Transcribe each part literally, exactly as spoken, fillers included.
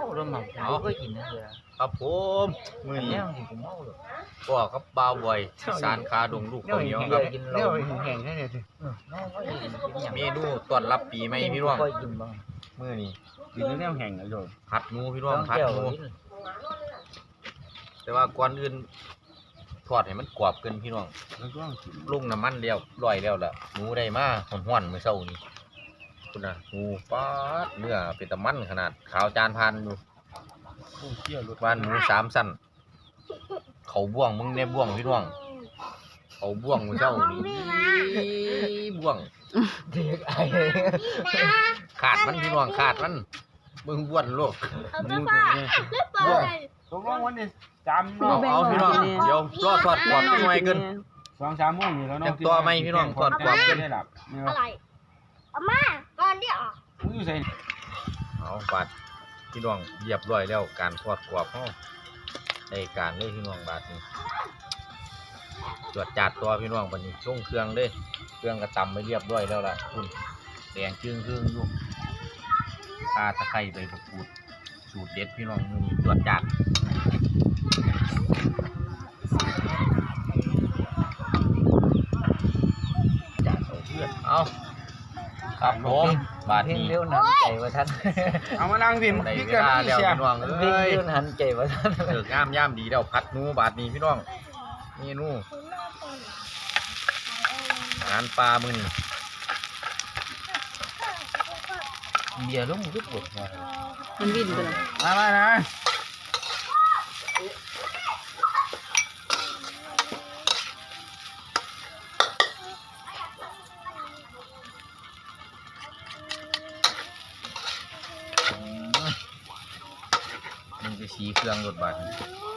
แล้วมั้งเขาก็กินนะเสือครับผมมือนี้ก็กับบ่าวบ่อยสารคาดงลูกข้าวเหนียวครับเแห้งแค่ไหนสิเมนูต้อนรับปีใหม่พี่น้องมือนี้กินแนวแห้งนะโยมผัดหมูพี่น้องผัดหมูแต่ว่าก่อนอื่นทอดให้มันกรอบเกินพี่น้องลุงน้ำมันเดียวลอยแล้วล่ะหมูได้มาห้อนๆมื้อเช้านี้คุณน่ะหมูป๊าดเนื้อเป็นตะมันขนาดขาวจานพันอยู่บ้านหมูสามสั้นเขาบ่วงมึงในบ่วงพี่น้องเขาบ่วงมื้อเช้านี้บ่วงขาดมันพี่น้องขาดมันมึงบ้วนโลกบ่วงตกลงวันนี้จำเอาเอาพี่น้องเดี๋ยวรอทอดกรอบหน่อยเกินสองสามโมงอยู่แล้วเนาะตัวไม่พี่น้องทอดกรอบเกินอะไรเอามาก่อนเดี๋ยวมึงอยู่ใส่เอาบาดพี่น้องเรียบร้อยแล้วการทอดกรอบเขาในการเลยพี่น้องบาดนี้ตรวจจัดตัวพี่น้องวันนี้ช่วงเครื่องเลยเครื่องกระตำไปเรียบร้อยแล้วล่ะคุณแดงจึ้งเครื่องอยู่ปลาตะไคร้ใบมะกรูดสูตรเด็ดพี่น้องมือนี้ตรวจจัดจัดเอาเพื่อนเอาครับผมบาดนี้เลี้ยวหันใจว่าท่านเอามานั่งพิมพ์พี่กันพี่เสียพี่น้องเอ้ยเลี้ยวหันใจว่าท่านเดือดงามย่ำดีแล้วพัดนูบาดนี้พี่น้องนี่นู่อาหารปลามือนี่เบียร์ลุงทุกบทมันวิ่งไปเลยมามานะมันจะสีเครื่องรถบัส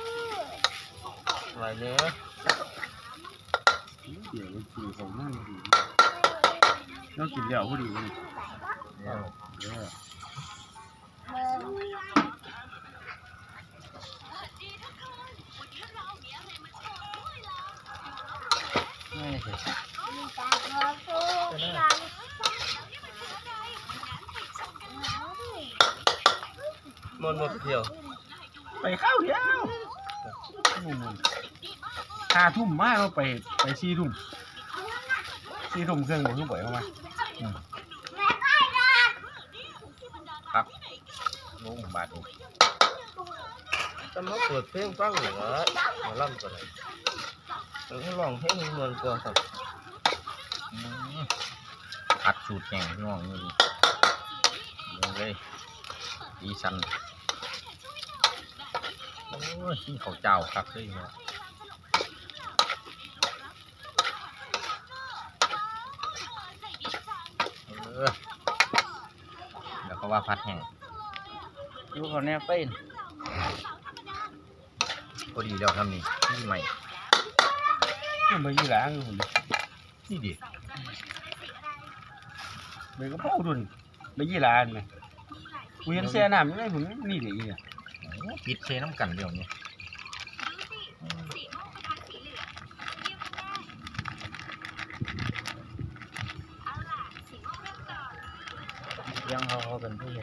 อะไรเนื้อเดี๋ยวกินของนั่นดีเรากินเดี๋ยวพอดีเลยเดี๋ยวเดี๋ยวไม่ใช่มันหมดเที่ยวไปข้าวเดียวห้าทุ่มมากเราไปไปสี่ทุ่มสี่ทุ่มเครื่องบนทุ่มบ่อยเข้ามาครับลุงบาดนี้จะมาเปิดเพลงฟังเหรอมาล่ำก่อนเลยเออลองเพลงเมืองก่อนครับอัดสูตรแข่งพี่น้องนี่เลยดีสันโอ้ยกินข้าวเจ้าครับเลยเนาะเออเดี๋ยวเขาว่าพัดแห้งอยู่เขาแน่เป็นพอดีแล้วทำนี่ที่ใหม่นี่มายี่หลางอยู่นี่ดิเบย์ก็พ่อดุนมายี่หลางไหมกูเห็นเสียน้ำยังไงผมนี่เดี๋ยวเนี่ยปิดเชน้ำกันเดี๋ยวนี้ยังเขาเขาเป็นผู้ใหญ่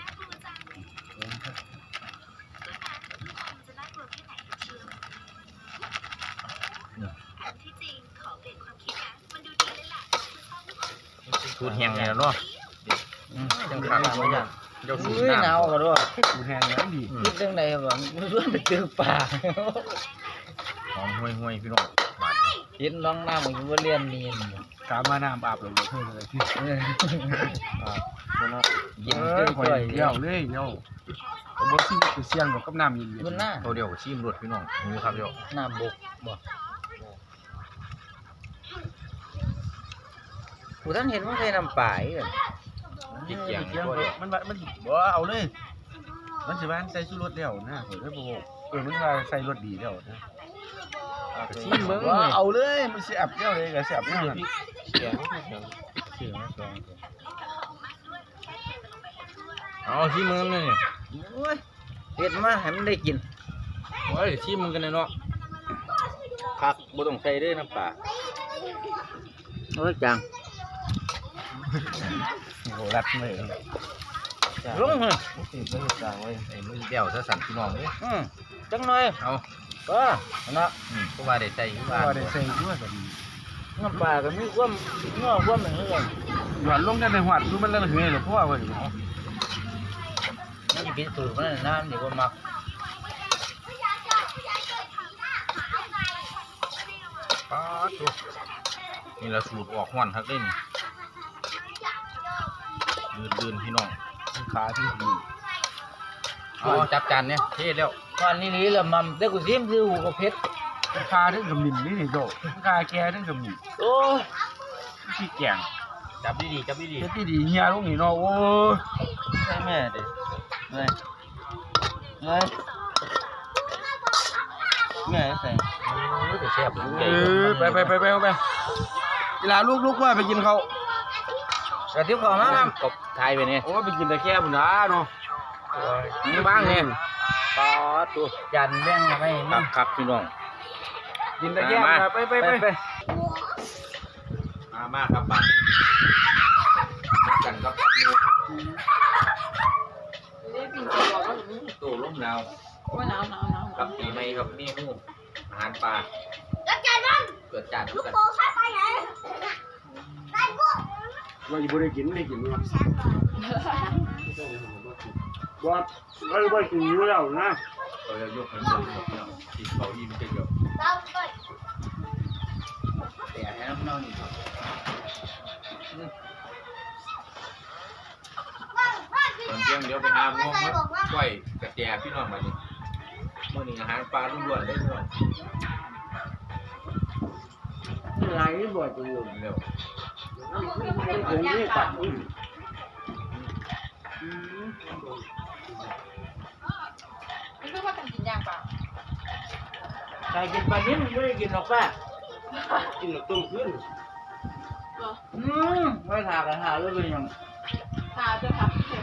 สูตรแห้งเลยเนาะยังขาดไม่ยังเจ้าสูตรหนาวกันด้วยสูตรแห้งแล้วดีคิดเรื่องไหนบ้างมันร่วนไปตื้อป่าหอมห่วยห่วยพี่น้องเห็นน้องน้ำมันก็เรียนเนียนกามาน้ำอาบเลยเพื่อนเลยที่ยินดีกว่าเยี่ยวเลยเยี่ยวผมบอกซิคือเสียงกับน้ำยินมันหน้าตัวเดียวชิมรสพี่น้องนี่ครับเดี๋ยวน้ำบกบ่ผู้ท่านเห็นว่าเคยนำป่ายกันยิ่งเกี่ยงมันมันบ่เอาเลยมันสิบ้านใส่ชูรสเดียวนะผมได้บอกเออมันว่าใส่รสดีเดียวนะชิมเบิ้งเอาเลยมันเสียบเดียวเลยก็เสียบเดียวเสียงเสียงเสียงเอาชิมมึงเลยโอ้ยเผ็ดมากให้มันได้กินโอ้ยชิมมึงกันเลยเนาะผักบ่ต้องใส่ด้วยน้ำปลาโอ้ยจังโหรัดเลยลงเลยมันติดไม่กลางไว้ไอ้มือเดี่ยวซะสั่นพี่น้องเด้อืมจังหน่อยเอาก็นะอืมก็ว่าได้ใส่ที่บ้านว่าได้ใส่ด้วยกันน้ำปลาก็มีความเนื้อความเหมือนกันหวานลงกันในหวัดดูมันละเหยหรือเพราะว่าเว้ยมันเป็นสูตรมันน้ำเดี๋ยวก็มักป๊าดดูนี่ละสูตรออกห้อนทักเล่นลื่นๆพี่น้องขาที่ดีเอาจับจานเนี่ยเท่แล้วตอนนี้นี่ละมันเด็กกูซิมคือหูกับเพชรขาถึงกับมินนี่นี่โดขาแกถึงกับมินโอ้ขี้แกงจับดีๆจับดีเพชรที่ดีเฮียลูกนี่เนาะโอ้ใช่แม่เด้เลยเลยแม่ใส่ๆโอ้ยแต่แซ่บใหญ่เออไปไปไปไปไปเวลาลูกลูกว่าไปกินเขากระทิบเขามาครับกบไทยไปเนี่ยโอ้ไปกินแต่แค่บุญนะเนาะนี่บ้างเนี่ยปอตัวจันแบ่งมาให้ครับครับพี่น้องกินแต่แค่ไปไปไปไปมามาครับบ้านกันกับปักนูได้ปิ่นกระบอกว่าอย่างนี้ตู้ร่มหนาวว่าหนาวหนาวหนาวกับปีใหม่ครับเมนูอาหารปลาแล้วแกนั่นเกิดจากลูกกันโป่งข้าไปไหนได้ปุ๊บว่าอยู่บริกินไม่ได้กินมั้ยว่าเราไม่กินอยู่แล้วนะเราจะยกให้เดินครับพี่น้องติดเขาอิ่มจะเยอะเราไปแต่ให้น้ำน้องนี่ครับบ้างบ้างพี่ตอนเนี่เที่ยยงเดี๋ยวไปหาไม่ม่วงเคยบอกว่าก้อยกระแจพี่น้องมาดิเมื่อนี้อาหารปลาล้วนๆได้พี่น้องอะไรนี่บ่อยจังเลยเร็วผมนี่ตัดนี่คือว่ากันกินย่างเปล่าใครกินปลานิ่มไม่ได้กินหรอกป้ากินหรอกต้มขึ้นเหรออืมไม่ถากกันหาเลยเป็นยังทาจะทับเฉย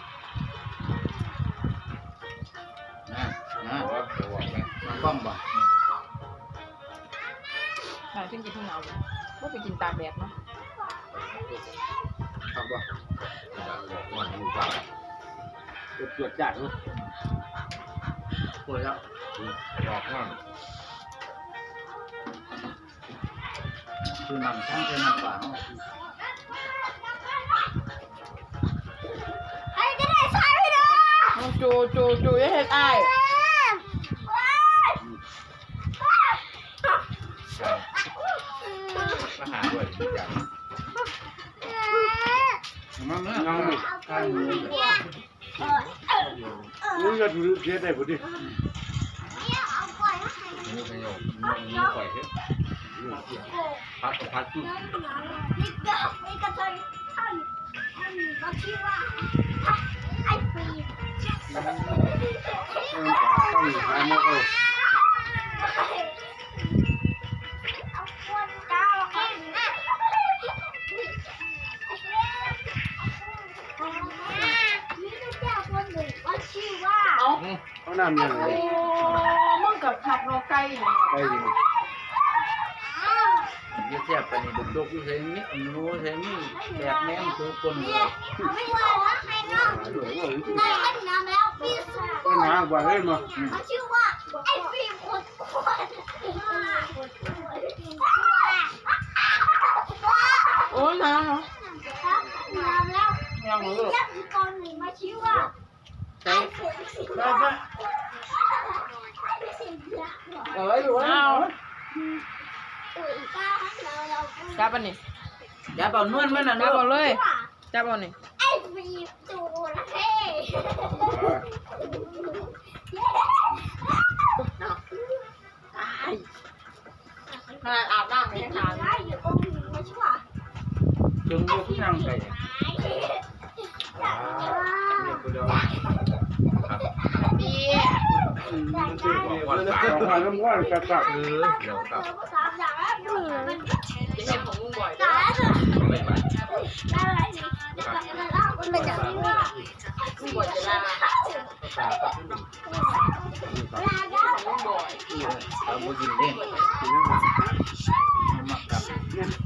นะนะๆบอกว่าเดี๋ยวบอกไหมมันบ้อมบ่หายขึ้นกินที่หนาวเลยว่าไปกินตากแดดเนาะครับบ่บอกว่าอยู่บ้านตรวจตรวจจัดเนาะปวดแล้วบอกว่าคือมันทั้งเป็นมันฝาไอ้ก็ได้ใช่ไหมเนาะเอาจูจูจูอย่าเฮ็ดอ้ายมาหาด้วยอย่างมันไม่เอาใช่มึงจะถือเสียได้พอดีนี้ประโยชน์นี้ปล่อยเถอะพัดกับพัดจุ๊บนี่ก็นี่ก็เลยท่านท่านก็ชื่อว่าไอ้ปีต้องหามาเออเอาคนก้าวขึ้นนะนี่ก็เจ้าคนหนึ่งก็ชื่อว่าเอาเขานำยังไงโอ้มึงกับขับรถไกลเนี่ยไปดิยี่เสียบไปนี่ดุกๆอยู่เซนี่รู้เซนี่แบกแม่มคือคนเลยไม่ว่าว่าใครเนาะในอันน้ำแล้วปีศาจก็หากว่าเล่นมาเขาชื่อว่าไอ้ฟิล์มคนคนโอ้หนาวเนาะน้ำแล้วยังเหลือตอนหนึ่งมาชื่อว่าไอ้ฟิล์มสีดำเอ้ยอยู่เอาอุ้ยป้าเราเราจับอันนี้อย่าเป่านวลมันนะจับเอาเลยว่าจับเอานี่ไอ้ฟิล์มจูระเข้ขนาดอาบน้ำไม่ให้หาได้อยู่ตรงหนึ่งมาชื่อว่าจึงดูที่นั่งไปดีวันสาสองพันน้ำว่าจะกลับเออเดี๋ยวกลับสามอย่างแล้วดูมันจะเห็นของมึงบ่อยสามแล้วไม่ไปอะไรนี่มันเป็นอย่างนี้ว่ามึงบ่อยจะลาลาได้ของมึงบ่อยเอาบุกินเด้งมักกับ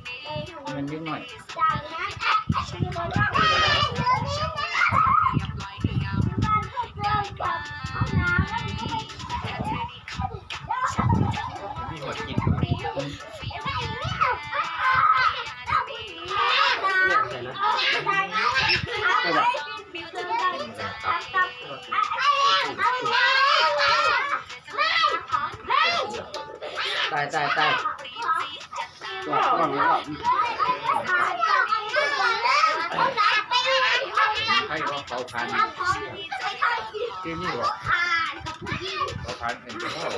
มันยิ่งหน่อยจากนั้นมีหัวกินตายตายตายว่าว่าว่าใครว่าเขาทานที่นี่หรอเขาทานเองก็ได้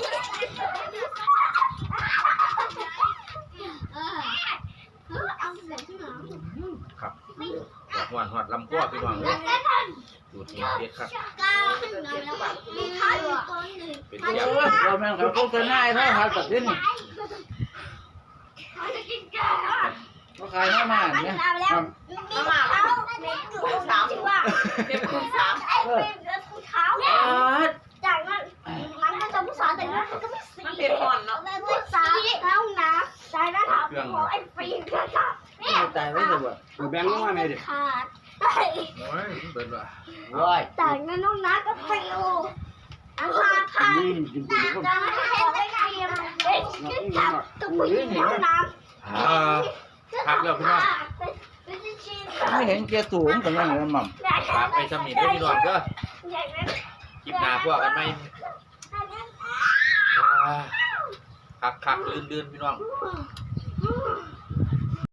ครับหวานหวานลำกัวพี่น้องเลยดูทีเด็ดครับเป็นยาเราแม่งเขาโฆษณาให้เขาตัดสินเขาขายมาม่าเนี่ยน้ำมันคูณสามเป็นคูณสามจากนั้นมันก็จะผู้สาวแต่นั้นก็ไม่สีมันเป็นหอนเนาะผู้สาวแล้วนะจากนั้นถามไอ้ฟีนก็จะไม่ตายไม่เลยว่ะแบงค์มาไม่ดิขาดโอ้ยเบิดว่ะว้ายจากนั้นน้องนัทก็ฟิวอาคาคานี่จริงๆก็จากนั้นให้ได้เทียมเด็กจับตัวผู้หญิงน้ำอ่าพักแล้วพี่น้องไม่เห็นแกสูงกันยังไงมั่มฝากไปสำนีด้วยพี่น้องเด้อคลิปหน้าพวกกันไหมคักคักลื่นลื่นพี่น้องอืม